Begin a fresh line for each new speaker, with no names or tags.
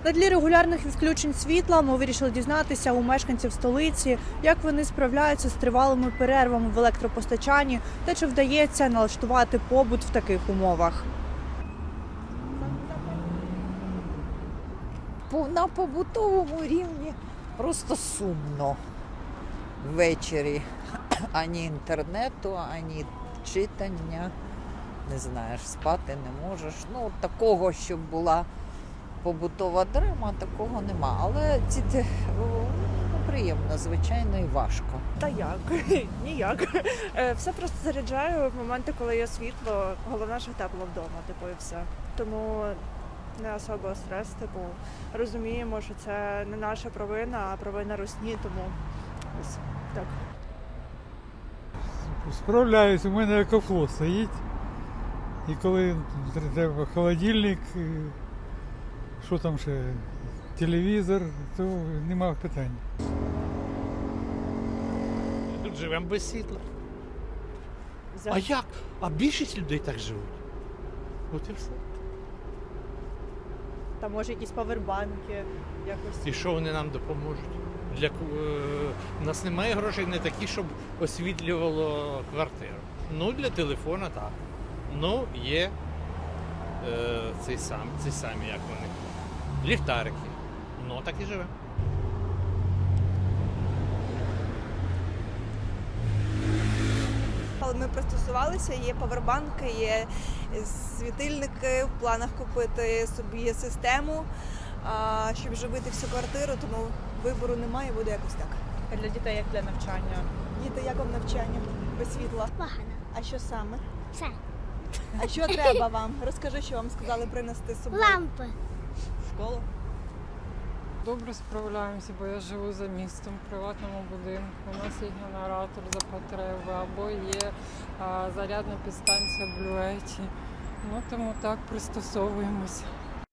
На тлі регулярних відключень світла ми вирішили дізнатися у мешканців столиці, як вони справляються з тривалими перервами в електропостачанні та чи вдається налаштувати побут в таких умовах.
На побутовому рівні просто сумно ввечері. Ані інтернету, ані читання. Не знаєш, спати не можеш. Ну, такого, щоб була побутова драма, такого нема. Але приємно, звичайно, і важко.
Та як? Ніяк. Все просто заряджаю в моменти, коли є світло. Головне, що тепло вдома, і все. Тому не особо стрес, розуміємо, що це не наша провина, а провина русні, тому ось так.
Справляюсь, у мене екофло стоїть. І коли треба холодильник, що там ще, телевізор, то нема питань.
Тут живемо без світла.
За-
А як? А більшість людей так живуть. От і все.
Та може якісь павербанки, якось.
І що вони нам допоможуть? У нас немає грошей не такі, щоб освітлювало квартиру. Ну, для телефона так. Ну, є ці самі, як вони, ліхтарики. Ну, так і живемо.
Але ми пристосувалися, є павербанки, є світильники, в планах купити собі систему, щоб живити всю квартиру, тому вибору немає, буде якось так.
А для дітей як для навчання?
Діти, як вам навчання без світла?
Погано.
А що саме?
Все.
А що треба вам? Розкажи, що вам сказали принести з собою
Лампи.
в школу.
Добре справляємося, бо я живу за містом, в приватному будинку. У нас є генератор за потреби, або є зарядна підстанція в блюеті. Ну, тому так пристосовуємося.